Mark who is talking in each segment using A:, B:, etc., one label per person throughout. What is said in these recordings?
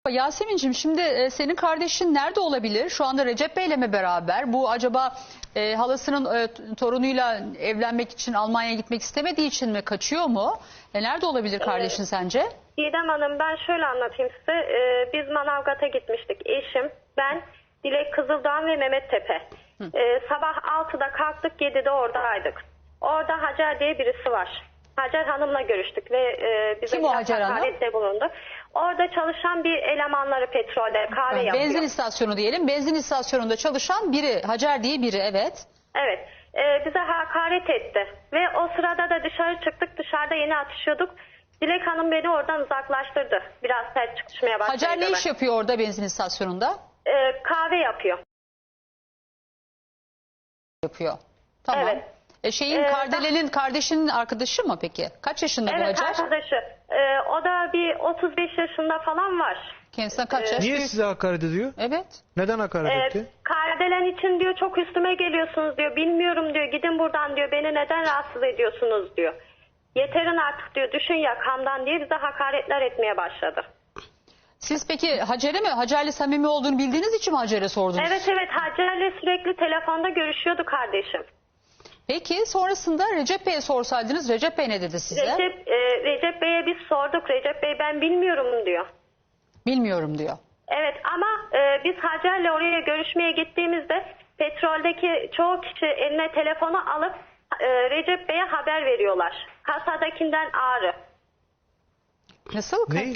A: Yasemin'cim şimdi senin kardeşin nerede olabilir? Şu anda Recep Bey'le mi beraber? Bu acaba halasının torunuyla evlenmek için Almanya'ya gitmek istemediği için mi kaçıyor mu? Nerede olabilir kardeşin sence?
B: Didem Hanım, ben şöyle anlatayım size. Biz Manavgat'a gitmiştik. Eşim, ben, Dilek Kızıldağ ve Mehmet Tepe. Sabah 6'da kalktık, 7'de oradaydık. Orada Hacer diye birisi var. Hacer Hanım'la görüştük ve bize
A: Kim o Hacer Hanım?
B: hakarette bulundu. Orada çalışan bir elemanları petrolde kahve yapıyor.
A: Benzin istasyonu diyelim. Benzin istasyonunda çalışan biri, Hacer diye biri, evet.
B: Evet. Bize hakaret etti. Ve o sırada da dışarı çıktık. Dışarıda yeni atışıyorduk. Dilek Hanım beni oradan uzaklaştırdı. Biraz sert çıkışmaya başladı.
A: Hacer ne iş yapıyor orada benzin istasyonunda?
B: Kahve yapıyor.
A: Yapıyor. Tamam.
B: Evet.
A: Kardele'nin kardeşinin arkadaşı mı peki? Kaç yaşında bu
B: Evet,
A: Hacer?
B: arkadaşı. O da bir 35 yaşında falan var.
A: Kendisinden kaç yaş?
C: Niye
A: büyük?
C: size hakaret ediyor?
A: Evet.
C: Neden hakaret etti?
B: Kardelen için diyor çok üstüme geliyorsunuz diyor. Bilmiyorum diyor, gidin buradan diyor. Beni neden rahatsız ediyorsunuz diyor. Yeterin artık diyor, düşün yakamdan diye bize hakaretler etmeye başladı.
A: Siz peki Hacer'le samimi olduğunu bildiğiniz için mi Hacer'e sordunuz?
B: Evet, Hacer'le sürekli telefonda görüşüyordu kardeşim.
A: Peki sonrasında Recep Bey'e sorsaydınız, Recep Bey ne dedi size?
B: Recep Bey'e biz sorduk. Recep Bey ben bilmiyorum diyor.
A: Bilmiyorum diyor.
B: Evet ama biz Hacer'le oraya görüşmeye gittiğimizde petroldeki çoğu kişi eline telefonu alıp Recep Bey'e haber veriyorlar. Kasadakinden Ağrı.
A: Nasıl?
C: Ne?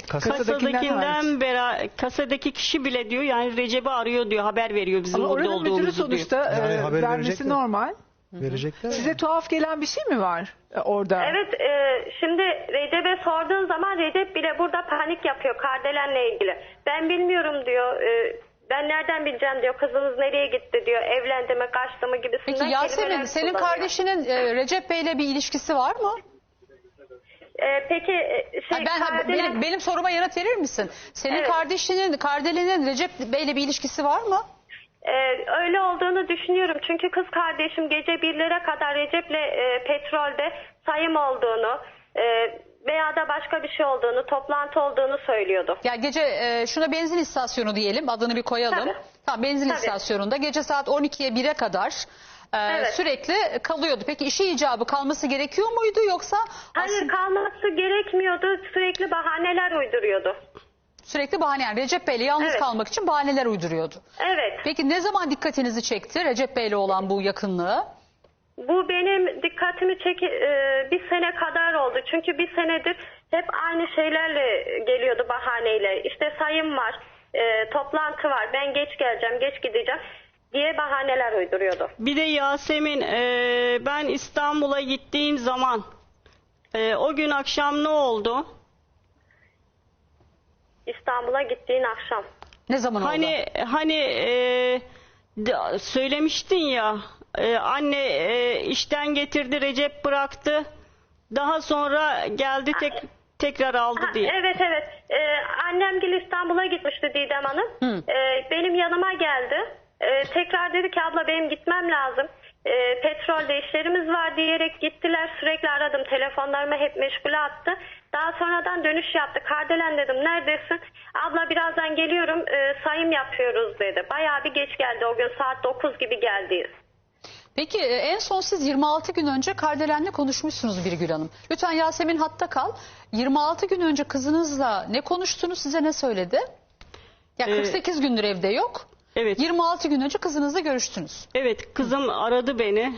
D: Kasadaki kişi bile diyor yani Recep'i arıyor diyor, haber veriyor bizim
E: Ama
D: burada
E: oranın müdürü
D: olduğumuzu
E: sonuçta
D: diyor.
C: Yani haber
E: vermesi
C: verecekler.
E: normal.
C: Verecekler.
E: Size tuhaf gelen bir şey mi var orada?
B: Evet, şimdi Recep'e sorduğun zaman Recep bile burada panik yapıyor Kardelen'le ilgili. Ben bilmiyorum diyor. Ben nereden bileceğim diyor. Kızınız nereye gitti diyor. Evlendi mi, kaçtı mı gibisinden.
A: Peki Yasemin,
B: kelimeler
A: senin
B: kullanıyor.
A: kardeşinin Recep Bey'le bir ilişkisi var mı?
B: Peki
A: Benim soruma yanıt verir misin? Senin
B: Evet.
A: kardeşinin, Kardele'nin Recep Bey'le bir ilişkisi var mı?
B: öyle olduğunu düşünüyorum. Çünkü kız kardeşim gece 1'lere kadar Recep'le petrolde sayım olduğunu veya da başka bir şey olduğunu, toplantı olduğunu söylüyordu.
A: Ya gece şuna benzin istasyonu diyelim, adını bir koyalım.
B: Tabii.
A: Tamam, benzin
B: Tabii.
A: istasyonunda gece saat 12'ye 1'e kadar
B: Evet.
A: sürekli kalıyordu. Peki işi icabı kalması gerekiyor muydu yoksa
B: Hayır, kalması gerekmiyordu. Sürekli bahaneler uyduruyordu.
A: sürekli bahane, yani Recep Bey'le yalnız
B: Evet.
A: kalmak için bahaneler uyduruyordu?
B: Evet.
A: Peki ne zaman dikkatinizi çekti Recep Bey'le olan bu yakınlığı?
B: Bu benim dikkatimi bir sene kadar oldu. Çünkü bir senedir hep aynı şeylerle geliyordu, bahaneyle. İşte sayım var, toplantı var, ben geç geleceğim, geç gideceğim diye bahaneler uyduruyordu.
D: Bir de Yasemin, ben İstanbul'a gittiğim zaman o gün akşam ne oldu?
B: İstanbul'a gittiğin akşam.
A: Ne zaman oldu?
D: Söylemiştin ya, anne işten getirdi, Recep bıraktı, daha sonra geldi tekrar aldı diye.
B: Evet. Annemgil İstanbul'a gitmişti Didem Hanım. Benim yanıma geldi. Tekrar dedi ki abla benim gitmem lazım. Petrolde işlerimiz var diyerek gittiler. Sürekli aradım. Telefonlarımı hep meşgule attı. Daha sonradan dönüş yaptı. Kardelen dedim neredesin? Abla birazdan geliyorum, sayım yapıyoruz dedi. Bayağı bir geç geldi o gün, saat 9 gibi geldi.
A: Peki en son siz 26 gün önce Kardelen'le konuşmuşsunuz Birgül Hanım. Lütfen Yasemin hatta kal. 26 gün önce kızınızla ne konuştunuz, size ne söyledi? Ya 48 gündür evde yok.
D: Evet.
A: 26 gün önce kızınızla görüştünüz.
D: Evet, kızım aradı beni.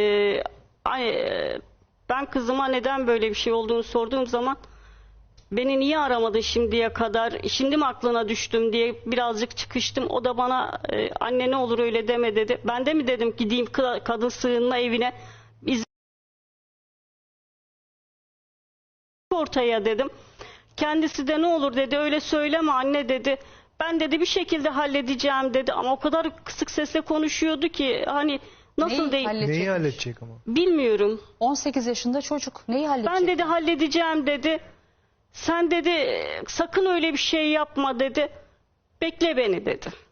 D: Ben kızıma neden böyle bir şey olduğunu sorduğum zaman beni niye aramadın şimdiye kadar, şimdi mi aklına düştüm diye birazcık çıkıştım. O da bana anne ne olur öyle deme dedi. Ben de mi dedim gideyim kadın sığınma evine ortaya dedim. Kendisi de ne olur dedi, öyle söyleme anne dedi. Ben dedi bir şekilde halledeceğim dedi ama o kadar kısık sesle konuşuyordu ki hani nasıl
A: Neyi
D: değil
A: halledecek?
C: Neyi halledecek ama?
D: bilmiyorum.
A: 18 yaşında çocuk neyi halledecek?
D: Ben dedi halledeceğim dedi. Sen dedi sakın öyle bir şey yapma dedi. Bekle beni dedi.